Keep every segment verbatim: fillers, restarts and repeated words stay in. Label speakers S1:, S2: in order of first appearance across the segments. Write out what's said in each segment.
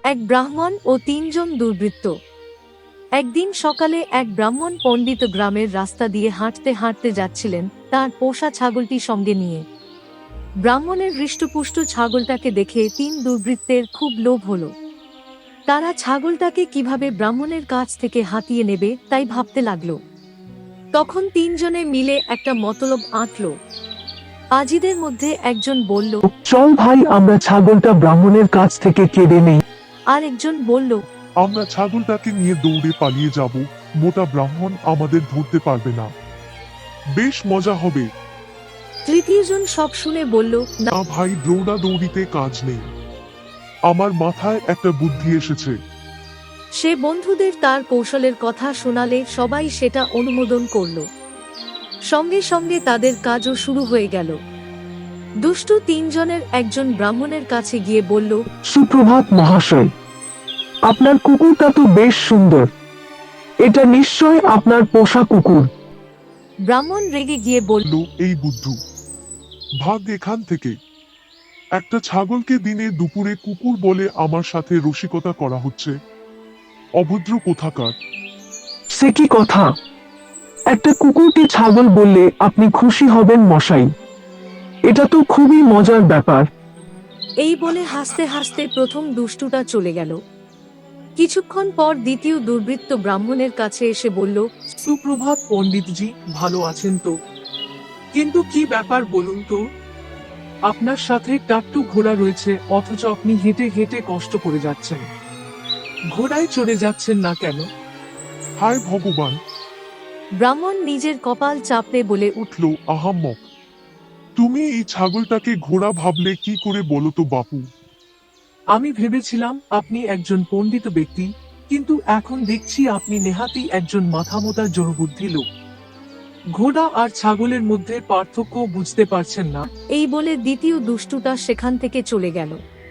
S1: এক ব্রাহ্মণ ও তিনজন দুর্বৃত্ত। একদিন সকালে এক ব্রাহ্মণ পণ্ডিত গ্রামের রাস্তা দিয়ে হাঁটতে হাঁটতে যাচ্ছিলেন তার পোষা ছাগলটি সঙ্গে নিয়ে। ব্রাহ্মণের হৃষ্টপুষ্ট ছাগলটাকে দেখে তিন দুর্বৃত্তের খুব লোভ হল। তারা ছাগলটাকে কিভাবে ব্রাহ্মণের কাছ থেকে হাতিয়ে নেবে তাই ভাবতে লাগল। তখন তিনজনে মিলে একটা মতলব আঁটল। আজিদের মধ্যে একজন বলল,
S2: চল ভাই, আমরা ছাগলটা ব্রাহ্মণের কাছ থেকে কেড়ে নেই।
S1: আর একজন বলল,
S3: আমরা ছাগলটাকে নিয়ে দৌড়ে পালিয়ে যাব, মোটা ব্রাহ্মণ আমাদের ধরতে পারবে না, বেশ মজা হবে।
S1: তৃতীয়জন সব শুনে বলল, না
S3: না ভাই, দৌড়া দৌড়িতে কাজ নেই, আমার মাথায় একটা বুদ্ধি এসেছে।
S1: সে বন্ধুদের তার কৌশলের কথা শোনালে সবাই সেটা অনুমোদন করল। সঙ্গে সঙ্গে তাদের কাজও শুরু হয়ে গেল। দুষ্টু তিনজনের একজন ব্রাহ্মণের কাছে গিয়ে বলল,
S2: সুপ্রভাত মহাশয়, আপনার কুকুরটা তো বেশ সুন্দর, এটা নিশ্চয় আপনার পোষা কুকুর।
S1: ব্রাহ্মণ রেগে গিয়ে বলল,
S3: লো, এই বুদ্ধু, ভাগ এখান থেকে। একটা ছাগলকে দিনে দুপুরে কুকুর বলে আমার সাথে রসিকতা করা হচ্ছে, অভদ্র কোথাকার।
S2: সে কি কথা? একটা কুকুরকে ছাগল বললে আপনি খুশি হবেন মশাই? এটা তো খুবই মজার ব্যাপার।
S1: এই বলে হাসতে হাসতে প্রথম দুষ্টুটা চলে গেল। কিছুক্ষণ পর দ্বিতীয় দুর্বৃত্ত ব্রাহ্মণের কাছে এসে বলল,
S4: সুপ্রভাত পণ্ডিতজি, ভালো আছেন তো? কিন্তু কি ব্যাপার বলুন তো? আপনার সাথে টাট্টু ঘোড়া রয়েছে, অথচ আপনি হেঁটে হেঁটে কষ্ট করে যাচ্ছেন। ঘোড়ায় চড়ে যাচ্ছেন না কেন?
S3: হায় ভগবান!
S1: ব্রাহ্মণ নিজের কপাল চাপড়ে বলে উঠল,
S3: উঠল, আহাম্মক! তুমি এই ছাগলটাকে ঘোড়া ভাবলে কি করে বলো তো বাপু?
S4: আমি ভেবেছিলাম আপনি একজন পণ্ডিত ব্যক্তি, কিন্তু এখন দেখছি আপনি নেহাতি একজন মাথামোটা জড়বুদ্ধি লোক। ঘোড়া আর ছাগলের মধ্যে পার্থক্য বুঝতে পারছেন না।
S1: এই বলে দ্বিতীয় দুষ্টুটা সেখান থেকে চলে গেল।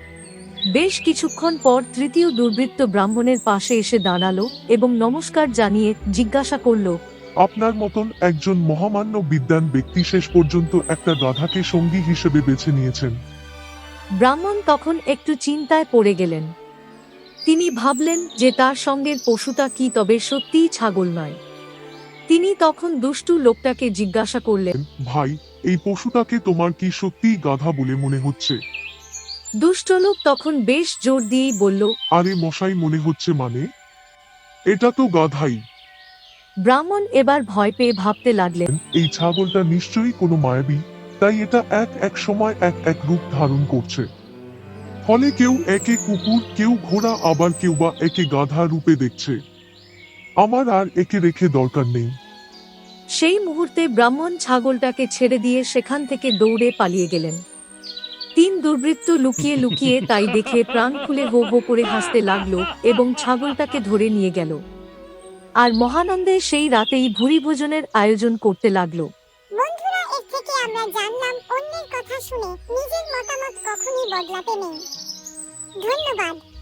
S1: বেশ কিছুক্ষণ পর তৃতীয় দুর্বৃত্ত ব্রাহ্মণের পাশে এসে দাঁড়ালো এবং নমস্কার জানিয়ে জিজ্ঞাসা করল,
S3: আপনার মতন একজন মহামান্য বিদ্বান ব্যক্তি শেষ পর্যন্ত একটা গাধাকে সঙ্গী হিসেবে বেছে নিয়েছেন।
S1: ব্রাহ্মণ তখন একটু চিন্তায় পড়ে গেলেন। তিনি ভাবলেন যে তার সঙ্গের পশুটা কি তবে সত্যিই ছাগল নয়। তিনি তখন দুষ্টু লোকটাকে জিজ্ঞাসা করলেন,
S3: ভাই, এই পশুটাকে তোমার কি সত্যিই গাধা বলে মনে হচ্ছে?
S1: দুষ্ট লোক তখন বেশ জোর দিয়েই বলল,
S3: আরে মশাই, মনে হচ্ছে মানে? এটা তো গাধাই।
S1: ব্রাহ্মণ এবার ভয় পেয়ে ভাবতে লাগলেন,
S3: এই ছাগলটা নিশ্চয়ই কোনো মায়াবী, তাই এটা এক এক সময় এক এক রূপ ধারণ করছে। ফলে কেউ একে কুকুর, কেউ ঘোড়া, আবার কেউ বা একে গাধা রূপে দেখছে। আমার আর একে রেখে দরকার নেই।
S1: সেই মুহূর্তে ব্রাহ্মণ ছাগলটাকে ছেড়ে দিয়ে সেখান থেকে দৌড়ে পালিয়ে গেলেন। তিন দুর্বৃত্ত লুকিয়ে লুকিয়ে তাই দেখে প্রাণ খুলে হো হো করে হাসতে লাগলো এবং ছাগলটাকে ধরে নিয়ে গেল। আর মহানন্দে সেই রাতেই ভুরি ভোজনের আয়োজন করতে লাগলো।
S5: বন্ধুরা, এর থেকে আমরা জানলাম অন্যের কথা শুনে নিজের মতামত কখনই বদলাতে নেই। ধন্যবাদ।